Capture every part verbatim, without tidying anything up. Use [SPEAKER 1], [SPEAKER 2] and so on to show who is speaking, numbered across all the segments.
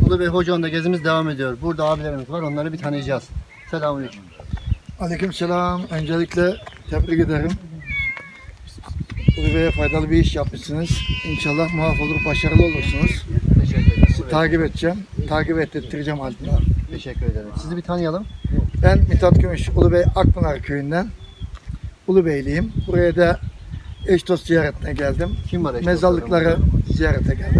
[SPEAKER 1] Ulubey Hocaoğlu'nda gezimiz devam ediyor. Burada abilerimiz var, onları bir tanıyacağız. Selamünaleyküm.
[SPEAKER 2] Aleykümselam. Öncelikle tebrik ederim. Ulubey'e faydalı bir iş yapmışsınız. İnşallah muvaffak olur, başarılı olursunuz.
[SPEAKER 1] Teşekkür ederim.
[SPEAKER 2] Sizi takip edeceğim. Takip ettireceğim haline.
[SPEAKER 1] Teşekkür ederim. Sizi bir tanıyalım.
[SPEAKER 2] Ben Mithat Gümüş, Ulubey Akpınar köyünden. Ulubeyliyim. Buraya da eş dost ziyaretine geldim.
[SPEAKER 1] Kim var? eş
[SPEAKER 2] Mezarlıkları
[SPEAKER 1] dostlarım?
[SPEAKER 2] ziyarete geldim.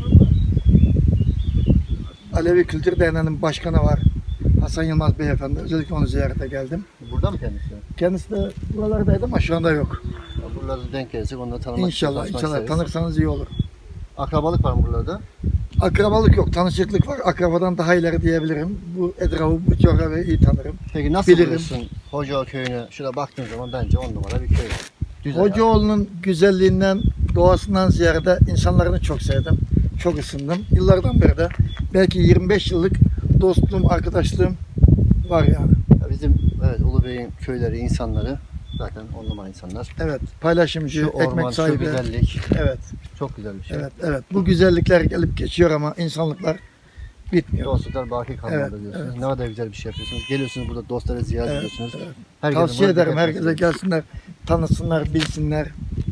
[SPEAKER 2] Alevi Kültür Derneği'nin başkanı var. Hasan Yılmaz Beyefendi. Özellikle onu ziyarete geldim.
[SPEAKER 1] Burada mı kendisi?
[SPEAKER 2] Kendisi de buralardaydı ama şu anda yok.
[SPEAKER 1] Ya buralarda denk gelirsek onları tanımak
[SPEAKER 2] İnşallah,
[SPEAKER 1] için
[SPEAKER 2] inşallah
[SPEAKER 1] isteriz.
[SPEAKER 2] tanırsanız iyi olur.
[SPEAKER 1] Akrabalık var mı buralarda?
[SPEAKER 2] Akrabalık yok, tanışıklık var. Akrabadan daha ileri diyebilirim. Bu etrafı, bu coğrafyayı iyi tanırım.
[SPEAKER 1] Peki nasıl
[SPEAKER 2] Bilirim.
[SPEAKER 1] buluyorsun Hocaoğlu köyünü? Şurada baktığın zaman bence on numara bir köy. Güzel.
[SPEAKER 2] Hocaoğlu'nun güzelliğinden, doğasından ziyade insanlarını çok sevdim. Çok ısındım. Yıllardan beri de belki yirmi beş yıllık dostluğum, arkadaşlığım var yani.
[SPEAKER 1] Ya bizim evet Ulubey'in köyleri, insanları zaten on numara insanlar.
[SPEAKER 2] Evet, paylaşımcı,
[SPEAKER 1] Şu orman,
[SPEAKER 2] ekmek
[SPEAKER 1] şu
[SPEAKER 2] sahibi.
[SPEAKER 1] güzellik
[SPEAKER 2] Evet,
[SPEAKER 1] çok güzel bir şey.
[SPEAKER 2] evet, evet. Bu güzellikler gelip geçiyor ama insanlıklar bitmiyor.
[SPEAKER 1] Dostluklar baki kalmadı
[SPEAKER 2] Evet,
[SPEAKER 1] diyorsunuz.
[SPEAKER 2] evet.
[SPEAKER 1] Ne kadar güzel bir şey yapıyorsunuz. Geliyorsunuz burada dostları ziyaret
[SPEAKER 2] Evet,
[SPEAKER 1] ediyorsunuz.
[SPEAKER 2] evet.
[SPEAKER 1] Herkese
[SPEAKER 2] Tavsiye
[SPEAKER 1] burada
[SPEAKER 2] ederim
[SPEAKER 1] dikkat
[SPEAKER 2] herkese
[SPEAKER 1] edin.
[SPEAKER 2] gelsinler, tanısınlar, bilsinler.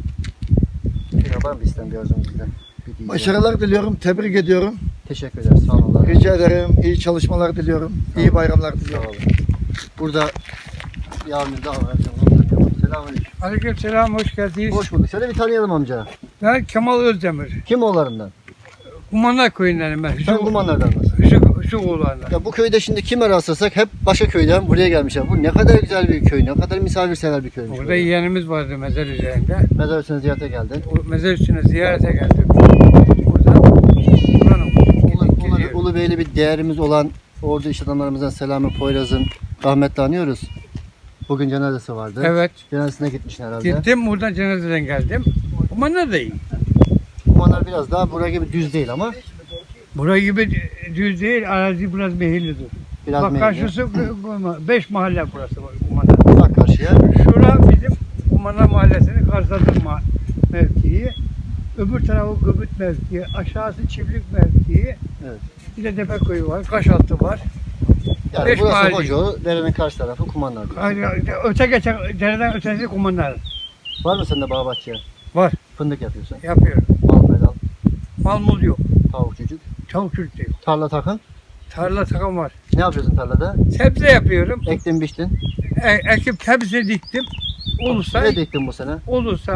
[SPEAKER 1] Bir var mı istem bir arzunuz bizden? Bir diyeceğim.
[SPEAKER 2] Başarılar diliyorum, tebrik ediyorum.
[SPEAKER 1] Teşekkür ederiz. Sağ olun.
[SPEAKER 2] Rica ederim. İyi çalışmalar diliyorum. İyi bayramlar
[SPEAKER 1] Sağ
[SPEAKER 2] diliyorum.
[SPEAKER 1] olun. Burada bir abimiz daha var. Selamünaleyküm.
[SPEAKER 3] Aleykümselam, hoş geldiniz.
[SPEAKER 1] Hoş bulduk. Şöyle bir tanıyalım amca.
[SPEAKER 3] Ben Kemal Özdemir.
[SPEAKER 1] Kim oğullarından?
[SPEAKER 3] Kumanlar köyündenim ben.
[SPEAKER 1] Sen kumanlardan mısın?
[SPEAKER 3] Hüsnü, Hüsnü oğlanlar.
[SPEAKER 1] Ya bu köyde şimdi kime rastlasak hep başka köyden buraya gelmişler. Bu ne kadar güzel bir köy, ne kadar misafirsever bir köymüş.
[SPEAKER 3] Orada
[SPEAKER 1] böyle.
[SPEAKER 3] yeğenimiz vardı mezar üzerinde.
[SPEAKER 1] Mezar üstüne ziyarete geldin.
[SPEAKER 3] O mezar üstüne ziyarete geldim. Burada buranın
[SPEAKER 1] Ulu, Ulu,
[SPEAKER 3] gidiyor.
[SPEAKER 1] Ulubeyli bir değerimiz olan ordu iş adamlarımızdan Selami Poyraz'ın rahmetli anıyoruz. Bugün cenazesi vardı.
[SPEAKER 3] Evet.
[SPEAKER 1] Cenazesine gitmişsin herhalde.
[SPEAKER 3] Gittim buradan cenazeden geldim. Kumanlar da iyi.
[SPEAKER 1] Kumanlar biraz daha buraya gibi düz değil ama
[SPEAKER 3] Bura gibi düz değil, arazi biraz mehillidir.
[SPEAKER 1] biraz
[SPEAKER 3] Bak
[SPEAKER 1] meyilli.
[SPEAKER 3] karşısı beş mahalle burası Kumanlar.
[SPEAKER 1] Bak karşıya.
[SPEAKER 3] Şura bizim Kumanlar Mahallesi'nin karşıladığı ma- mevkii. Öbür tarafı Gıbıt mevkii, aşağısı Çiftlik mevkii.
[SPEAKER 1] Evet.
[SPEAKER 3] Bir de Tepeköy var, Kaşaltı var.
[SPEAKER 1] Yani
[SPEAKER 3] Beş
[SPEAKER 1] burası
[SPEAKER 3] mahalle.
[SPEAKER 1] Hocaoğlu, derenin karşı tarafı Kumanlar diyor.
[SPEAKER 3] Hani öte geçen, dereden ötesi Kumanlar
[SPEAKER 1] Var mı sende bağ bahçe?
[SPEAKER 3] var,
[SPEAKER 1] Fındık yapıyorsun.
[SPEAKER 3] yapıyorum.
[SPEAKER 1] Mal medal,
[SPEAKER 3] Mal mul yok,
[SPEAKER 1] tavuk çocuk.
[SPEAKER 3] tavuk çocuk da yok.
[SPEAKER 1] Tarla takın.
[SPEAKER 3] Tarla takım var.
[SPEAKER 1] Ne yapıyorsun tarlada?
[SPEAKER 3] Sebze yapıyorum.
[SPEAKER 1] Ektin biçtin.
[SPEAKER 3] E, ekip hepsini diktim. Olursa,
[SPEAKER 1] Ne diktin bu sene?
[SPEAKER 3] olursa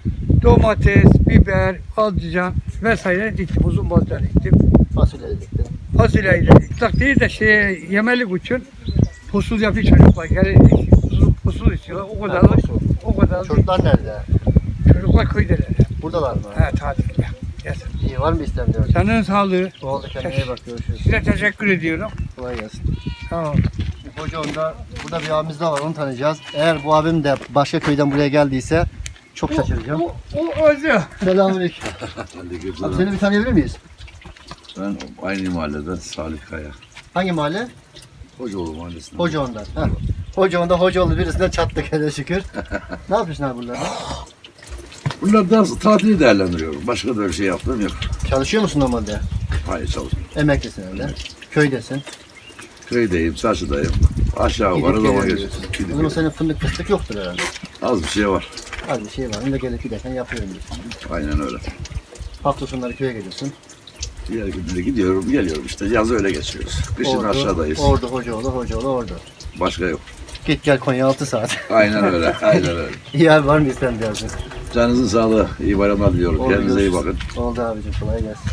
[SPEAKER 3] domates, biber, patlıcan vesaire diktim. Uzun bozda diktim.
[SPEAKER 1] Fasulye de diktin.
[SPEAKER 3] Fasulyeyi de diktim. Değil de şey, yemelik için pusul yapıyor çocuklar. Gelin pusul, pusul istiyorlar. O kadar
[SPEAKER 1] Ha,
[SPEAKER 3] da,
[SPEAKER 1] pusul.
[SPEAKER 3] o kadar da
[SPEAKER 1] Çocuklar nerede?
[SPEAKER 3] çocuklar köydeler.
[SPEAKER 1] Buradalar mı?
[SPEAKER 3] He tatilde. Yes.
[SPEAKER 1] İyi, var mı istem diyor.
[SPEAKER 3] Senin sağlığı.
[SPEAKER 1] Oldu, kendine iyi bak, görüşürüz.
[SPEAKER 3] Size teşekkür ediyorum.
[SPEAKER 1] Kolay gelsin.
[SPEAKER 3] Sağ ol.
[SPEAKER 1] Hocaoğlu'nda burada bir abimiz daha var, onu tanıyacağız. Eğer bu abim de başka köyden buraya geldiyse çok şaşıracağım.
[SPEAKER 3] O, o özü.
[SPEAKER 1] Selamünaleyküm. Abi seni bir tanıyabilir miyiz?
[SPEAKER 4] Ben aynı mahalleden Salih Kaya.
[SPEAKER 1] Hangi mahalle?
[SPEAKER 4] Hocaoğlu mahallesinden.
[SPEAKER 1] Hocaoğlu'ndan. Heh. Hocaoğlu'nda Hocaoğlu birisinden çattık hele şükür. Ne yapıyorsun abi burada?
[SPEAKER 4] Bunlar da tatili değerlendiriyorum. Başka da öyle şey yaptığım yok.
[SPEAKER 1] Çalışıyor musun normalde?
[SPEAKER 4] Hayır çalışmıyorum.
[SPEAKER 1] Emeklisin öyle. Köydesin.
[SPEAKER 4] Köydeyim, çarşıdayım. Aşağı
[SPEAKER 1] Gidip
[SPEAKER 4] yukarı zaman
[SPEAKER 1] geliyorsun.
[SPEAKER 4] geçiyorum.
[SPEAKER 1] O
[SPEAKER 4] Gidip
[SPEAKER 1] zaman
[SPEAKER 4] geliyorum.
[SPEAKER 1] senin fındık fıstık yoktur herhalde.
[SPEAKER 4] Az bir şey var.
[SPEAKER 1] Az bir şey var. Onu da gelip giderken yapıyorum diyorsun.
[SPEAKER 4] Aynen öyle.
[SPEAKER 1] Hafta sonları köye geliyorsun.
[SPEAKER 4] Diğer günlere gidiyorum, geliyorum işte. Yaz öyle geçiyoruz. Kışın aşağıdayız.
[SPEAKER 1] Ordu, Hocaoğlu, Hocaoğlu, Ordu.
[SPEAKER 4] Başka yok.
[SPEAKER 1] Git gel Konya altı saat.
[SPEAKER 4] Aynen öyle, aynen öyle.
[SPEAKER 1] İyi abi, var mı istem diyorsun?
[SPEAKER 4] Canınızın sağlığı, iyi bayramlar diliyorum.
[SPEAKER 1] Oldu,
[SPEAKER 4] Kendinize iyi bakın.
[SPEAKER 1] görüşürüz. Oldu abicim, kolay gelsin.